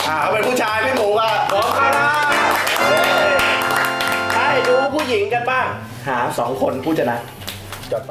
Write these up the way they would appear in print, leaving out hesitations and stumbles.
เขาเป็นผู้ชายพี่หมูอ่ะพร้อมกันนะให้ดูผู้หญิงกันบ้างหา2 คนผู้ชนะจดไป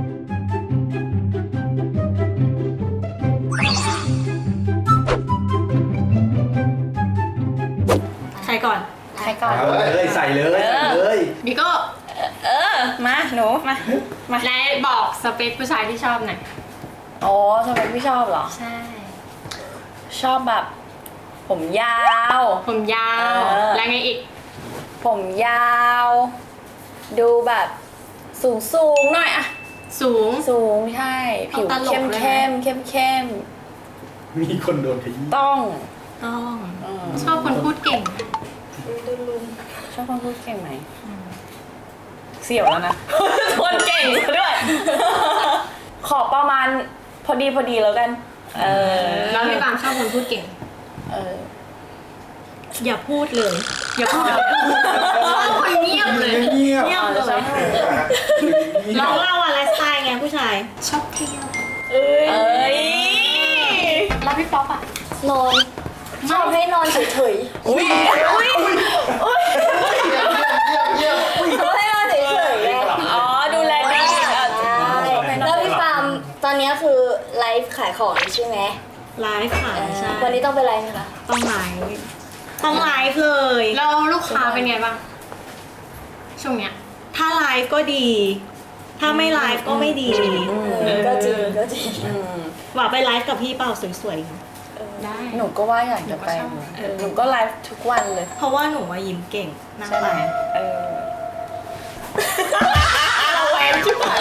ใครก่อนใครก่อนใส่เลยบิโก้มาหนูมาและบอกสเปคผู้ชายที่ชอบหน่อยอ๋อทำไมพี่ชอบเหรอใช่ชอบแบบ ผมยาวผมยาว แล้วไงอีกผมยาว ดูแบบสูงหน่อยอะสูงสูงใช่ผิวต้องตลกเข้มเลยนะเข้มมีคนโดนขยี้ต้องต้องเออชอบคนพูดเก่งชอบคนพูดเก่งไหมเสี่ยวแล้วนะ คนเก่งด้วย ขอประมาณพอดีแล้วกันแล้วพี่ปามชอบคนพูดเก่งอย่าพูดเลยอย่าพูดเลยชอบคนเงียบเลยเงียบเงียบเลย เราเล่าว่าไลฟ์สไตล์ไงผู้ชายชอบเที่ยวเอ้ยแล้วพี่ป๊อปอ่ะนอนชอบให้นอนเฉยอุ้ยๆชอบให้นอนเฉยๆไงอ๋อดูแลดีใช่แล้วพี่ปามตอนนี้คือไลฟ์ขายของอยู่ใช่ไหมไลฟ์ค่ะใช่วันนี้ต้องไปไลฟ์ไหมคะต้องไลฟ์ต้องไลฟ์เลยแล้วลูกค้าเป็นไงบ้าง ช่วงเนี้ยถ้าไลฟ์ก็ดี ถ้าไม่ไลฟ์ก็ไม่ดีก็จริงก็จริงหว่าไปไลฟ์กับพี่เปล่าสวยได้หนูก็ว่าอยากจะไป หนูก็ไลฟ์ทุกวันเลยๆ เพราะว่าหนูว่ายิ้มเก่งนั่งใช่ไหไปมเราแหวนชิบหาย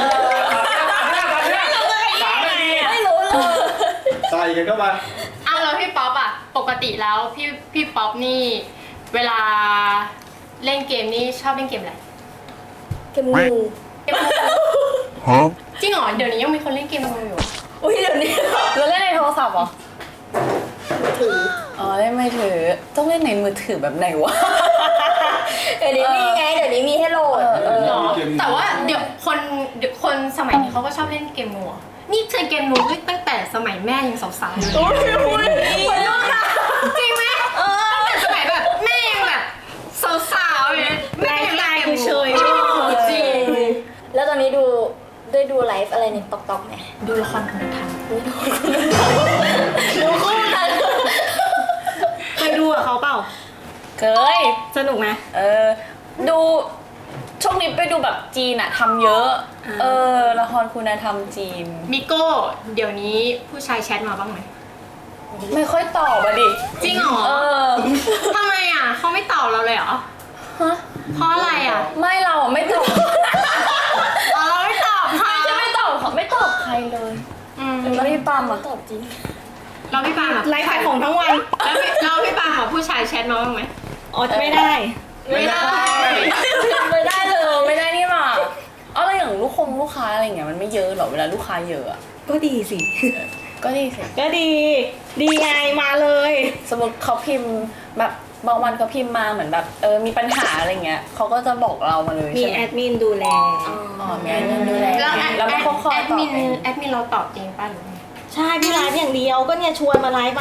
ไม่รู้เลยใส่กันเข้ามาอ้าวแล้วพี่ป๊อปอ่ะ ปกติแล้วพี่ป๊อปนี่ เวลาเล่นเกมนี่ชอบเล่นเกมอะไรเกมงูเกมจริงเหรอ เดี๋ยวนี้ยังมีคนเล่นเกมมืออยู่อุ้ยเดี๋ยวนี้เราเล่นในโทรศัพท์เหรอถืออ๋อเล่นไม่ถือ ต้องเล่นในมือถือแบบไหนวะเดี๋ยวนี้มีไงเดี๋ยวนี้มีให้โหลดหรอ แต่ว่าเดี๋ยวคนสมัยนี้เขาก็ชอบเล่นเกมมือนี่เคยเกมมือตั้งแต่สมัยแม่ยังสาวๆอยู่เลยจริงไหมตั้งแต่สมัยแบบแม่ยังแบบสาวๆเลยแม่ยังเล่นเกมมืเฉยจริงแล้วตอนนี้ได้ดูไลฟ์อะไรในต๊อกไหมดูละครคุณธรรมดูคู่กันเคยดูกับเขาเปล่าเคยสนุกไหมดูช่วงนี้ไปดูแบบจีนอะทำเยอะ ละครคุณธรรมจีนมิโก้เดี๋ยวนี้ผู้ชายแชทมาบ้างไหมไม่ค่อยตอบอะดิจริงเหรอทำไมอ่ะเขาไม่ตอบเราเลยเหรอฮะเพราะอะไรอ่ะไม่เราอะไม่ตอบอ๋อเราไม่ตอบค่ะจะไม่ตอบเขาไม่ตอบใครเลย แล้วพี่ปามอะตอบจริงเราพี่ปาล์มอ่ะไลฟ์ขายของทั้งวันแล้วพี่ปาล์มอ่ะผู้ชายแชทมาบ้างไหมอ๋อไม่ได้ไม่ได้ไม่ได้เลยไม่ได้นี่หว่าเอาแล้วอย่างลูกค้าอะไรอย่างเงี้ยมันไม่เยอะหรอเวลาลูกค้าเยอะอะก็ดีสิก็ดีสิก็ดี ดีไงมาเลยสมมติเขาพิมพ์แบบบางวันเขาพิมพ์มาเหมือนแบบมีปัญหาอะไรเงี้ยเขาก็จะบอกเรามาเลยมีใช่ไหแอมดมินดูแลอ๋อมีแอดมินดูแลแล้วแล้วมันก็คอยแอดตอบมินเองแอดมินเราตอบจริงป่ะหรือไงใช่พี่ไลฟ์อย่างเดียวก็เนี่ยชวนมาไลฟ์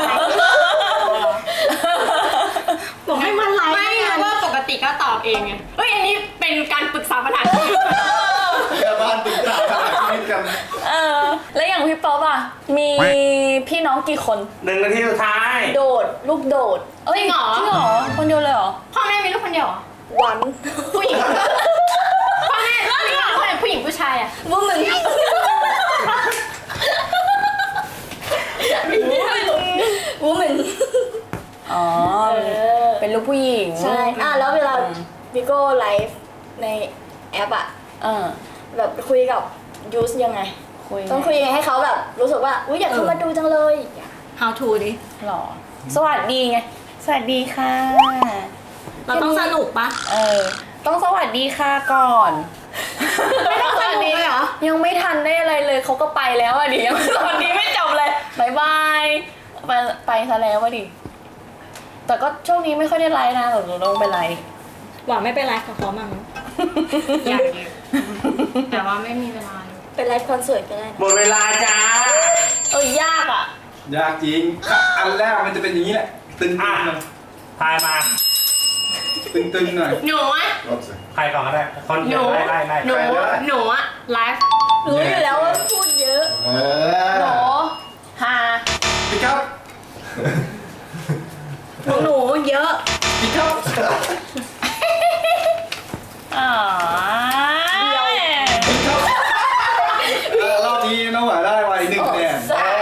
บอกให้มาไลฟ์ไม่รู้ว่าปกติก็ตอบเองไงเฮ้ยอันนี้เป็นการปรึกษาปัญหาเดี๋ยวบ้านตึกตาชีวิตกันแล้วอย่างพี่ป๊อปอะมีพี่น้องกี่คน 1 นาทีสุดท้ายโดดลูกโดดจริงเหรอจริงเหรอคนเดียวเลยเหรอพ่อแม่มีลูกคนเดียวเหรอวันผู้หญิงพ่อแม่มีลูกคนเดียวผู้หญิงผู้ชายอ่ะวูเหมือนวูเหมือนอ๋อเป็นลูกผู้หญิงใช่แล้วเวลาวิโก้ไลฟ์ในแอปอะ แบบคุยกับยูสยังไง ต้องคุยยังไงให้เขาแบบรู้สึกว่าอุ๊ยอยากเข้ามาดูจังเลย How to ดิหรอสวัสดีไงสวัสดีค่ะเราต้องสนุกปะต้องสวัสดีค่ะก่อนไม่ต้องสนุกเลยเหรอยังไม่ทันได้อะไรเลยเขาก็ไปแล้วอะดิยังสวัสดีไม่จบเลยบายบายไปซะแล้วอะดิแต่ก็ช่วงนี้ไม่ค่อยได้ไลฟ์นะหนูลงไปไลฟ์หว่าไม่เป็นไรกับเขามั่งอยากอยู่แต่ว่าไม่มีเวลาเลยเป็นไลฟ์คอนเสิร์ตก็ได้นะหมดเวลาจ้ายากอะยากจริง อันแรกมันจะเป็นอย่างนี้แหละตึงๆหน่อยทายมาตึงๆหน่อยหนูอะใครก่อนก็ได้คนหเดียนูวไล่หนูอะไลฟ์รู้อยู่แล้วว่าพูดเยอะโหฮาพี่ครับหนูเยอะพี่ครับอ๋อพี่ครับรอบนี้น้องหวานได้ไว้1คะแนน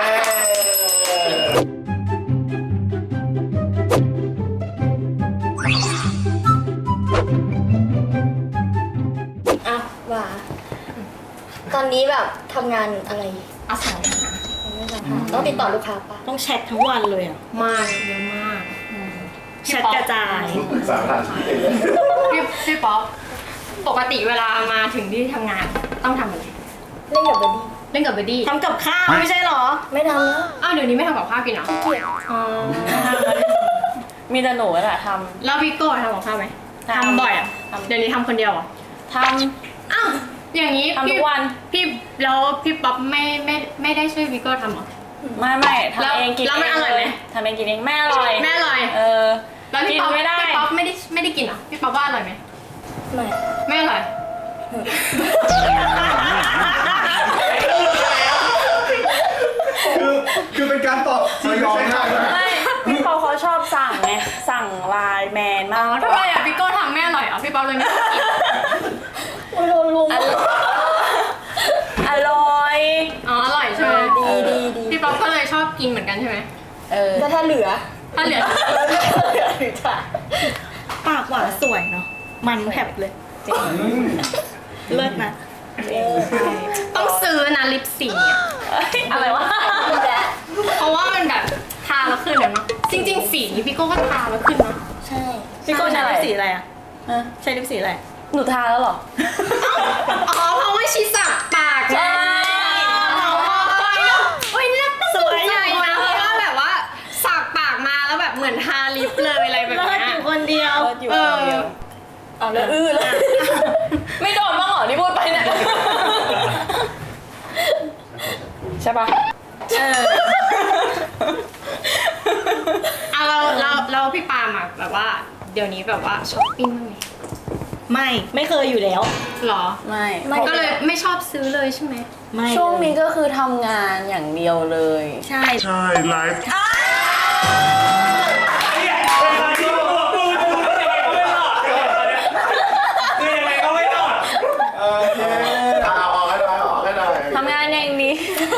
อ่ะว่า ตอนนี้แบบทำงานอะไรอาศัยต้องติดต่อลูกค้าปะต้องแชททั้งวันเลยอ่ะมากเยอะมากแชทกระจายสามพันพี่ป๊อปปกติเวลามาถึงที่ทำงานต้องทำอะไรเล่นกับเบอร์ดี้เล่นกับเบอร์ดี้ทำกับข้าวไม่ใช่เหรอไม่ทำแล้วอ้าวเดี๋ยวนี้ไม่ทำกับข้าวกินเหรออ๋อมีแต่หนูแหละทแล้วพี่โก้ทำกับข้าวไหมทำทำบ่อยอ่ะทำเดี๋ยวนี้ทำคนเดียวเหรอำทอ้าวอย่างนี้ำทุกวันพี่แล้วพี่ป๊อปไม่ได้ช่วยพี่โก้ทำเหรอไม่ทำเองกินแล้วมันอร่อยไหมทำเองกินเองแม่อร่อยแม่อร่อยเออแล้วพี่กินป๊อปไม่ได้พี่ป๊อปไม่ได้กินเหรอพี่ป๊อปว่าอร่อยไหมไม่ไม่อร่อยคือเป็นการตอบที่ยอมได้นะไม่พี่ปอเขาชอบสั่งไงสั่งไลน์แมนอ๋มาอก ทำไมอ่ะพี่โก้ทำไม่อร่อยเหรอพี่ป๊อปเลยไม่ชอบกินโอ้ยโดนลุมอร่อยอ๋ออร่อยใช่ไหมดีพี่ป๊อปก็เลยชอบกินเหมือนกันใช่ไหมเออแต่ถ้าเหลือถ้าเหลือหรือถ่ายปากหวานสวยเนาะ มันแผบเลย เลิศนะต้องซื้อนะลิปสีอ่ะอะไรวะดีแล้วเพราะว่ามันแบบทาแล้วขึ้นเนาะจริง ๆ สีนี้พี่โก้ก็ทาแล้วขึ้นเนาะใช่พี่โก้ใช้ลิปสีอะไรอ่ะฮะใช้ลิปสีอะไรหนูทาแล้วเหรออ๋อเพราะว่าชีสักปากไงโอ้ยน่าสนใจนะเพราะว่าแบบว่าสักปากมาแล้วแบบเหมือนทาลิปเลยอะไรแบบเลิศเนี้อย ยู่คนเดียวอยู่คนเดียวเอาแล้วเลย ไม่โดนบ้างเหรอที่พูดไปเนี่ยใช่ปะเอาเราพี่ปาล์มอะแบบว่าเดี๋ยวนี้แบบว่าช้อปปิ้งบ้างไหมไม่เคยอยู่แล้วหรอไม่ก็เลยไม่ชอบซื้อเลยใช่ไหมไม่ช่วงนี้ก็คือทำงานอย่างเดียวเลยใช่ใช่ไลฟ์คือยังไงก็ไม่รอดโอเคเอาออกให้หน่อยออกให้หน่อยทำงานอย่างนี้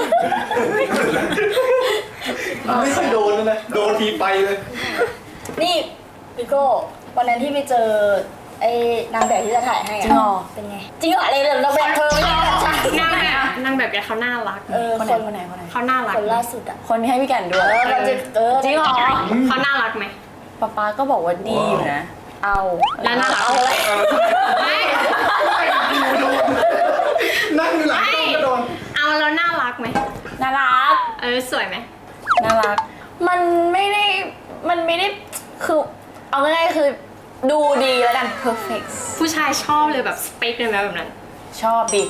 ไม่เคยโดนเลยนะโดนทีไปเลยนี่พี่โก้วันนั้นที่ไปเจอไอ้นางแบบที่จะถ่ายให้จริงเหรอเป็นไง จริงเหรออะไรเลยเราแบบเธอไม่ได้ใช่นางแบบแกเขาน่ารักคนไหนคนไหนเขาน่ารักคนล่าสุดอ่ะคนที่ให้พี่แก่นด้วยเราจะจริงเหรอเขาน่ารักไหมป๊าก็บอกว่าดีอยู่นะ เอาแล้วน่ารักเอาอะไรไม่นั่งอยู่หลังกล้องก็โดนเอาแล้วน่ารักไหมน่ารักสวยไหมน่ารัก มันไม่ได้คือเอาง่ายๆคือดูดีแล้วกัน perfect ผู้ชายชอบเลยแบบสเปคเลยไหมแบบนั้นชอบดิ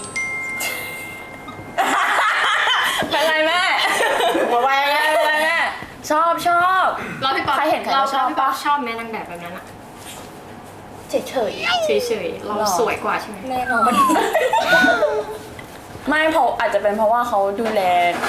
เป็นไรแม่เป็นไรแม่ชอบเราพี่ป๊อปใครเห็นใครก็ชอบเราพี่ป๊อปปะชอบไหมนางแบบแบบนั้นอะเฉยเฉยๆเราสวยกว่าใช่ไหมๆแน่นอนไม่เพราะอาจจะเป็นเพราะว่าเขาดูแล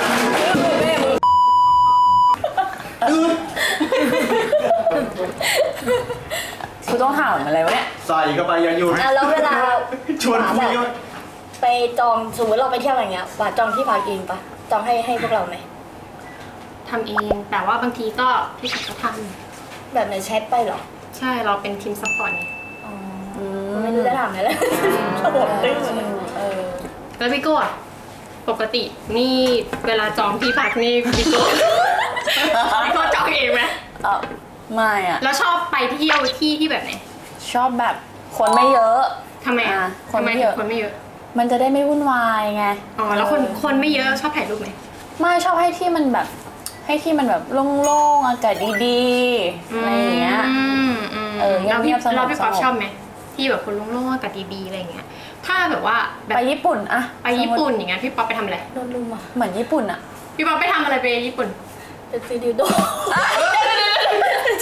กูต้องถามอะไรวะเนี่ยใส่เข้าไปอย่าหยุดอ่ะแล้วเวลาชวนคุยก็ไปจองสมมติเราไปเที่ยวอะไรเงี้ยว่าจองที่พักเองปะจองให้พวกเราไหมทำเองแต่ว่าบางทีก็พี่ชักก็ทแบบในแชทไปเหรอำใช่เราเป็นทีมซัพพอร์ตไงอ๋อไม่รู้จะถามอะไรแล้วระบบตึ้งหมดเลยแล้วพี่โก้อะปกตินี่เวลาจองที่พักนี่พี่โก้ พี่โก้จองเองไหมไม่อะแล้วชอบไปเที่ยวที่แบบไหนชอบแบบคนไม่เยอะทำไมอะคนทำไมไม่ถึเยงอะคนไม่เยอะมันจะได้ไม่วุ่นวายไงอ๋อแล้วคนไม่เยอะชอบถ่ายรูปไหมไม่ชอบให้ที่มันแบบโล่งๆอากาศดีๆอะไรอย่างเงี้ย เงียบๆแล้วพี่สงบแล้วพี่ป๊อปสงบชอบไหมที่แบบคนโล่งๆอากาศดีๆอะไรอย่างเงี้ยถ้าแบบว่าแบบไปญี่ปุ่นอะไปญี่ปุ่นอย่างเงี้ยพี่ป๊อปไปทำอะไรโดนลุมอ่ะเหมือนญี่ปุ่นอะพี่ป๊อปไปทำอะไรไปญี่ปุ่นเป็นฟิลิโด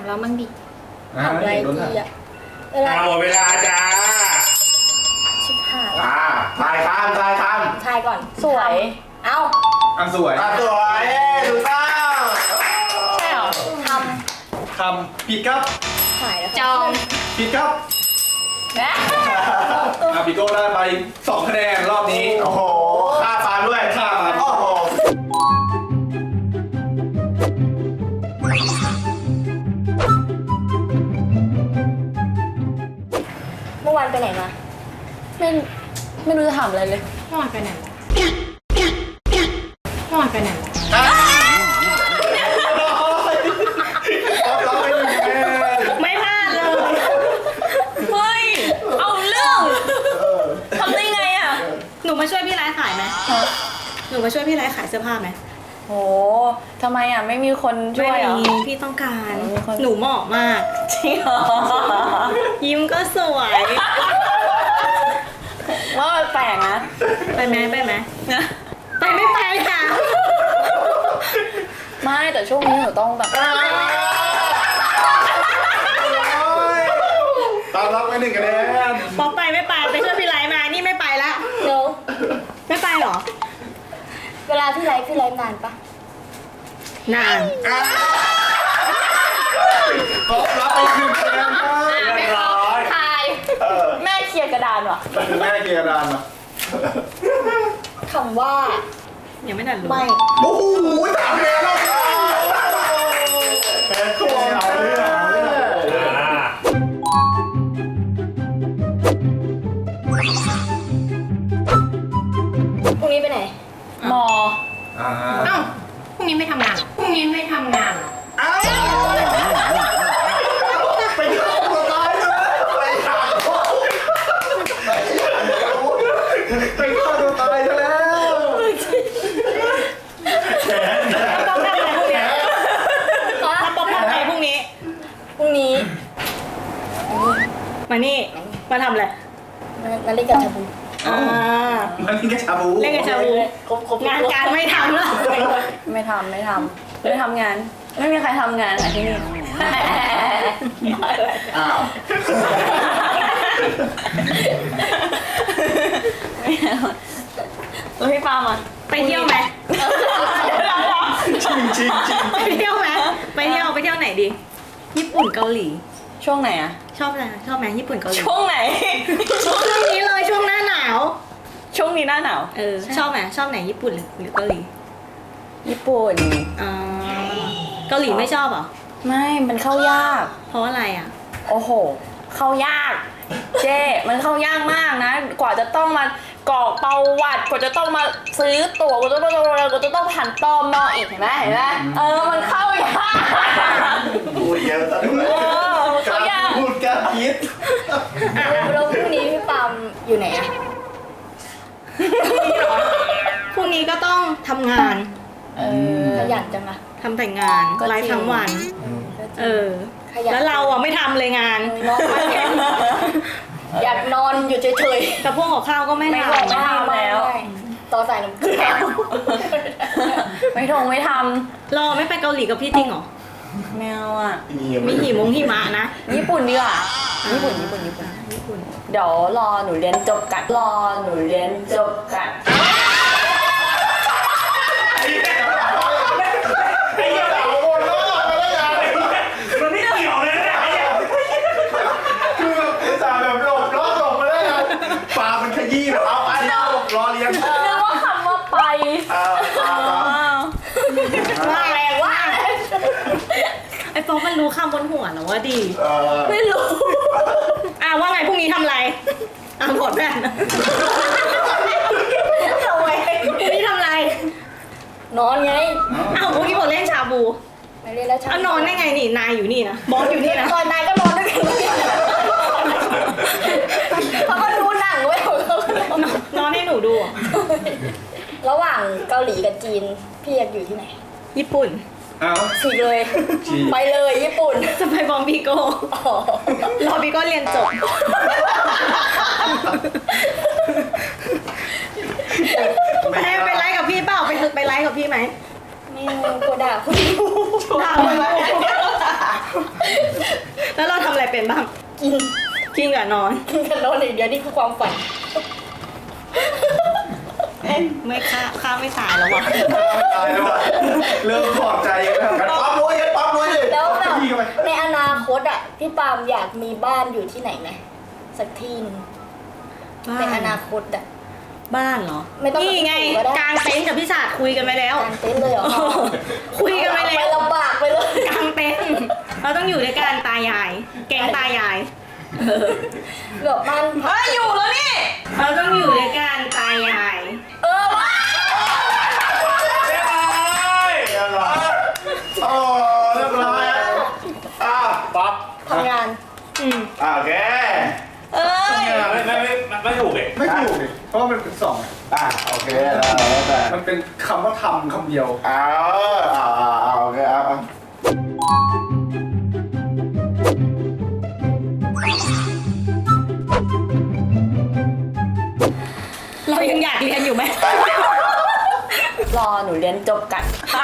เรามั่งดิทำอะไรดีอะเวลาหมดเวลาจ้าชิบหายทายคำทายคทายก่อนสวยเอ้าอันสวยำสวยถูกต้องใช่เหรอทคำผิดครับำหายแล้วจองผิดครับนะพี่โก้ได้ไป2คะแนนรอบนี้โอ้โหค่าฟันด้วยค่าฟันโอ้โหเมื่อวานไปไหนมาไม่รู้จะถามอะไรเลยเมื่อวานไปไหนมาเมื่อวานไปไหนมาเราไป1คะแนนไม่พลาดเลยเฮ้ย เอาเรื่องทำได้ไงอ่ะหนูมาช่วยพี่ไลฟ์ขายไหมหนูมาช่วยพี่ไลฟ์ขายเสื้อผ้าไหมโหทำไมอ่ะไม่มีคนช่วยเหรอไม่มีพี่ต้องการมีคนหนูเหมาะมากจริงเหรอยิ้มก็สวยว่ามันแปลกนะไปไหมไปไหมไปไม่ไปค่ะไม่แต่ช่วงนี้หนูต้องแบบตามรับไป1คะแนนป๊อปไปไม่ไปไปช่วยพี่ไลฟ์มานี่ไม่ไปละเดี๋ยวไม่ไปเหรอเวลาพี่ไลฟ์นานปะนานตอบรับไป1คะแนนครับไม่พอทายแม่เคลียร์กระดานว่ะคือแม่เกียร์ดานมาคำว่ายังไม่ทันรู้ไม่โอ้โห3คะแนนแล้วแพ้ตัวเอาเรื่องพรุ่งนี้ไปไหนมอเอ้าพรุ่งนี้ไม่ทำงานเหรอพรุ่งนี้ไม่ทำงานเหรอไปฆ่าตัวตายเลยไปฆ่าตัวตายซะแล้วป๊อปทำอะไรพรุ่งนี้แล้วป๊อปทำอะไรพรุ่งนี้พรุ่งนี้มานี่ มาทำอะไรนาฬิกาชาบูอ่ามันนี่ก็ชาบูเล่นกับชาบูครบงานการไม่ทำแล้วไม่ทำไม่ทำงาน ไม่มีใครทำงานค่ะที่นี่อ้าวแล้วพี่ปาล์มอ่ะไปเที่ยวไหมจริงจริงจริงไปเที่ยวไหมไปเที่ยวไหนดี ญี่ปุ่นเกาหลีช่วงไหนอ่ะชอบอะไรชอบไหมญี่ปุ่นเกาหลีช่วงไหนช่วงนี้เลยช่วงหน้าหนาวช่วงนี้หน้าหนาวชอบไหมชอบไหนญี่ปุ่นหรือเกาหลีญี่ปุ่นอ่าเกาหลีไม่ชอบเหรอไม่มันเข้ายากเพราะอะไรอ่ะโอ้โห เข้ายาก เจ้มันเข้ายากมากนะ กว่าจะต้องมากรอกประวัติกว่าจะต้องมาซื้อตั๋วกว่าจะต้องผ่านตมอีกเห็นไหมมันเข้ายากพูดเยอะซะด้วยเข้ายากพูดกล้าคิดแล้วพรุ่งนี้พี่ปาล์มอยู่ไหนอะพรุ่งนี้ก็ต้องทำงานขยันจังอะทำแต่งานก็จริงไลฟ์ทั้งวันขยันแล้วเราอ่ะไม่ทำเลยงานนอนไม่อยากนอนอยู่เฉยแต่พวกกับข้าวก็ไม่ไม่ททำๆแล้วต่อสายน้ำเกลือไม่ทำรอไม่ไปเกาหลีกับพี่จริงเหรอำแมวอ่ะมีหิมะนะญี่ปุ่นดีกว่าญี่ปุ่น เดี๋ยวรอหนูเรียนจบกันมันไม่เกี่ยวเลยนะคือแบบอุตส่าห์แบบหลบมาได้เลยปลามันขยี้แบบเอาอันนี้รอเรียนนึกว่าคำว่าไปว่าแรงว่าไอ้โฟกมันรู้คำบนหัวแล้วว่าดีไม่รู้ว่าไงพรุ่งนี้ทำอะไรหมดแม่นเอาไว้พรุ่งนี้ทำอะไรนอนไงพรุ่งนี้ผมเล่นชาบูไม่เล่นแล้วเช้านอนได้ไงนี่นายอยู่นี่นะบอสอยู่นี่นะตอนนายก็นอนด้วยกันเขาก็ดูหนังไว้ยนอนให้หนูดูอะระหว่างเกาหลีกับจีนพี่อยากอยู่ที่ไหนญี่ปุ่นเอาฉีกเลย ไปเลยญี่ปุ่นจะไปบอมบีโก้อ๋อรอบีโก้เรียนจบไปไลฟ์กับพี่เปล่าไปไลฟ์กับพี่ไหมไม่กลัวด่าคุณด่าเลยเป็นบ้างกินกินกับนอนกินกันนอนอย่างเดียวนี่คือความฝันไม่ข้าไม่ตายแล้ววะตายแล้วว่ะเริ่มถอดใจแล้วกันปั๊มรวยกันปั๊มรวยเลยแล้วแบบพี่เข้าไปในอนาคตอ่ะพี่ปาล์มอยากมีบ้านอยู่ที่ไหนไหมสักที่หนึงในอนาคตอ่ะบ้านเหรอไม่ต้องนี่ไงก็ได้กลางเต็นท์กับพี่ศาสตร์คุยกันไปแล้วกางเต็นท์เลยเหรอคุยกันไปแล้วลำบากไปเลยกลางเต็นท์เราต้องอยู่ด้วยกันตายาย แกงตายายแบบบ้านพักอยู่แล้วนี่เราต้องอยู่ด้วยกันตายายว้าเรียบร้อยโอ้เรียบร้อยป๊อปทำงานโอเคไม่ถูกเลยไม่ถูกดิเพราะว่ามันเป็นสองอะโอเคแล้วแต่มันเป็นคำว่าทำคำเดียวโอเคเอาเรายังอยากเรียนอยู่ไหมรอหนูเรียนจบกัน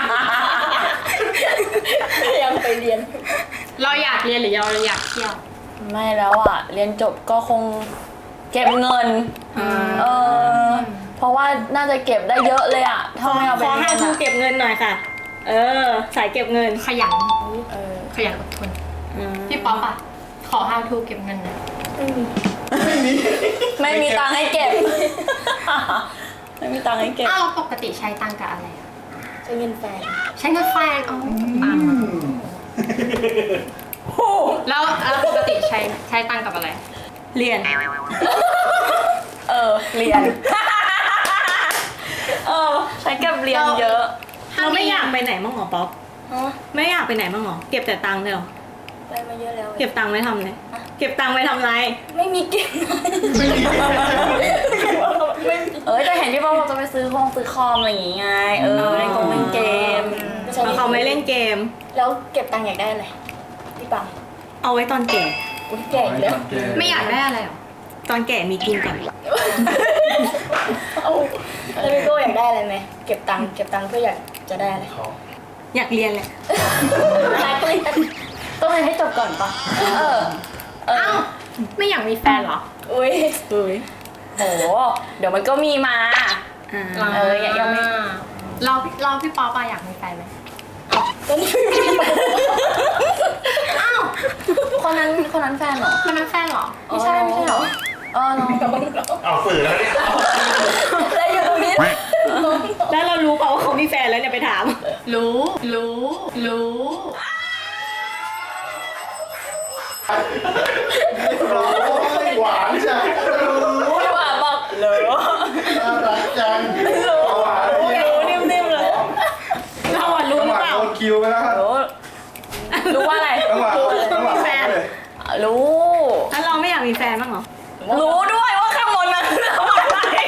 ยังไปเรียนเราอยากเรียนหรือเราอยากเที่ยวไม่แล้วอ่ะ เรียนจบก็คงเก็บเงิน เออ เพราะว่าน่าจะเก็บได้เยอะเลยอ่ะถ้าไม่เอาไปขอเรีให้ยนครูอะเก็บเงินหน่อยค่ะ เออ สายเก็บเงินขยันเขยันอดทน พี่ป๊อปอะขอ how to เก็บเงินหน่อยไม่มีตังค์ให้เก็บ ไม่มีตังค์ให้เก็บอ้าวปกติใช้ตังค์กับอะไรอะใช้เงินแฟนใช้เงินแฟนอ๋อตังค์แล้วปกติใช้ตังค์กับอะไรเรียนเรียน ใช้กับเรียนเยอะเราไม่อยากไปไหนบ้างเหรอป๊อปฮะไม่อยากไปไหนบ้างเหรอ เก็บแต่ตังค์เลยเหรอไปมาเยอะแล้วเก็บตังค์ไว้ทำอะไรเก็บตังค์ไว้ทำอะไรไม่มีเก็บแต่เห็นที่ว่าเราจะไปซื้อคอมอะไรอย่างงี้ไง เล่นเกมแล้วเขาไม่เล่นเกมแล้วเก็บตังค์อยากได้อะไรพี่ปังเอาไว้ตอนแก่อุ้ยแก่อีกแล้วไม่อยากได้อะไรหรอตอนแก่มีกินก่อนแล้วพี่โก้อยากได้อะไรไหมเก็บตังค์เพื่ออยากจะได้อะไรอยากเรียนแหละรักเลยต้องเรียนให้จบก่อนปะอ้าวไม่อยากมีแฟนเหรออุ้ยโห เดี๋ยวมันก็มีมา ยังไม่เราพี่ป๊อปอะอยากมีแฟนไหมตอนนี้ไม่มีแฟนอ้าวคนนั้นแฟนเหรอมันเป็นแฟนเหรอไม่ใช่เหรอน้องเอาฝืนแล้วเนี่ยแล้วอยู่ตรงนี้แล้วเรารู้เปล่าว่าเขามีแฟนแล้วเนี่ยไปถามรู้หวานจังพูดว่าบอกเหรอน่ารักจังหวานรู้นิ่มๆเลย เราอะรู้หรือเปล่าโดนคิวไปแล้วครับรู้ว่าอะไรต้องมาแฟนรู้แล้วเราไม่อยากมีแฟนบ้างเหรอรู้ด้วยว่าข้างบนนั้นทำอะไร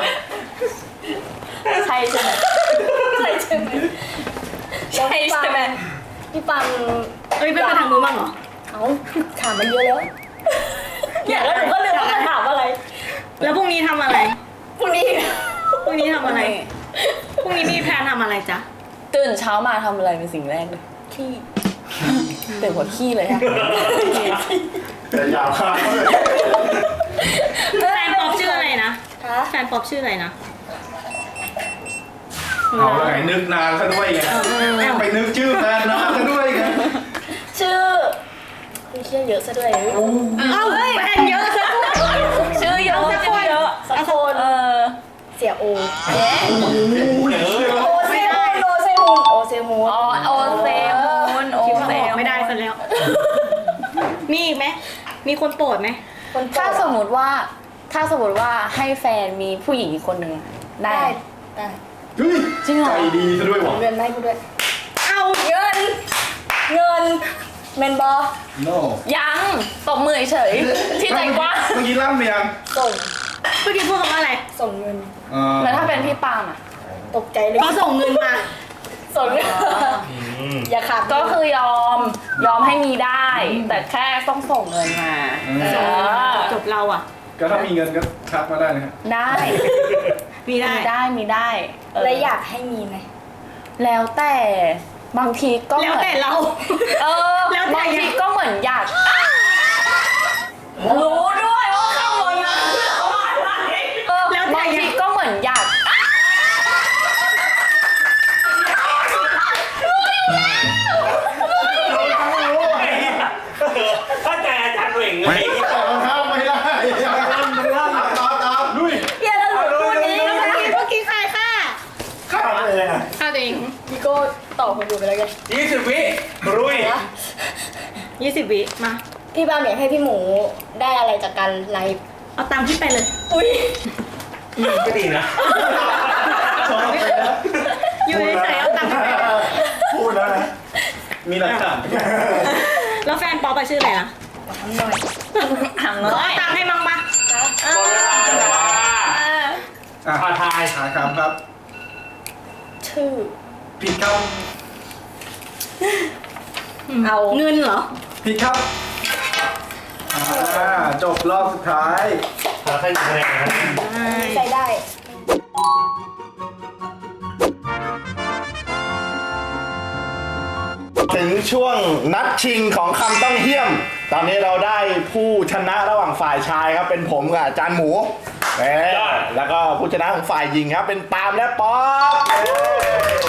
ใช่ใช่ไหมใช่ใช่ไหมใช่ใช่ไหมพี่ปังเอ้ยไม่ไปทางนู้นบ้างเหรอเอาถามมันเยอะแล้วอยากแล้วหนูก็ลืมว่าจะถามอะไรแล้วพรุ่งนี้ทำอะไรพรุ่งนี้พรุ่งนี้ทำอะไร พรุ่งนี้มีแพลนทำอะไรจ๊ะตื่นเช้ามาทำอะไรเป็นสิ่งแรกเลยขี้ตื่นหัวขี้เลยค่ะแต่ยาวข้างเลยแฟนป๊อปชื่ออะไรนะฮะแฟนป๊อปชื่ออะไรนะเอาแล้วไงนึกนานซะด้วยไงไปนึกชื่อแฟนนานซะด้วยไงชื่อคุณเชี่ยเยอะซะด้วยเอ้าแฟนเยอะซะด้วยชื่อเยอะชื่อเยอะสักคน เสียโอเอ๊ะโอเซมูนโอเซมูนโอเซมูนอ๋อโอเซมูนโอคิดว่าเซออกมูนไม่ได้ซะแล้ว มีอีกไหม มีคนโปรดไหมคนโปรดถ้าสมมติว่าให้แฟนมีผู้หญิงอีกคนหนึ่งได้ได้ไหมได้เฮ้ยจริงเหรอใจดีซะด้วยวะเงินได้กูด้วยเอาเงินเมนบอโน่ยังตบมือเฉยๆที่ใจกว้างเมื่อกี้ล่ำเมียงส่งเมื่อกี้พูดคำว่าอะไรส่งเงินแล้วถ้าเป็นพี่ปาล์มอ่ะตกใจเลยเขาส่งเงินมาส่งเงินอย่าขาดก็คือยอมให้มีได้ แต่แค่ต้องส่งเงินมาจบเราอ่ะก็ถ้ามีเงินก็ทักมาได้นะครับได้มีได้มีได้แล้วอยากให้มีไหมแล้วแต่บางทีก็แล้วแต่เราเออแล้วแต่บางทีก็เหมือนอยากรู้ด้วยว่าข้างบนนั้นแล้วบางทีก็เหมือนอยากเข้าใจอาจารย์เหว่งเลยแต่มันข้ามไม่ได้ตามลุยอย่าหลุดพูดนี้เมื่อกี้ใครค่ะข้ามเลยอ่ะเอาตัวเองพี่โก้ตอบคนดูไปแล้วกัน 20 วิรุย 20 วิมาพี่บามอยากให้พี่หมูได้อะไรจากการไลฟ์เอาตามที่ไปเลยอุ้ยก็ดีนะอยู่ในใจเอาตามที่ไปเลยพูดแล้วนะมีหลักฐานแล้วแฟนป๊อปอะชื่ออะไรนะถามขน้ออยตามให้มั่งปะหมดเวลาจ้าอ่ะขอทายหาคำครับชื่อผิดครับเอาเงินเหรอผิดครับจบรอบสุดท้ายขอแค่1คะแนนนะครับใส่ได้ถึงช่วงนัดชิงของคำต้องเหี้ยม ตอนนี้เราได้ผู้ชนะระหว่างฝ่ายชายครับเป็นผมกับอาจารย์หมูแล้วก็ผู้ชนะของฝ่ายหญิงครับเป็นปาล์มและป๊อป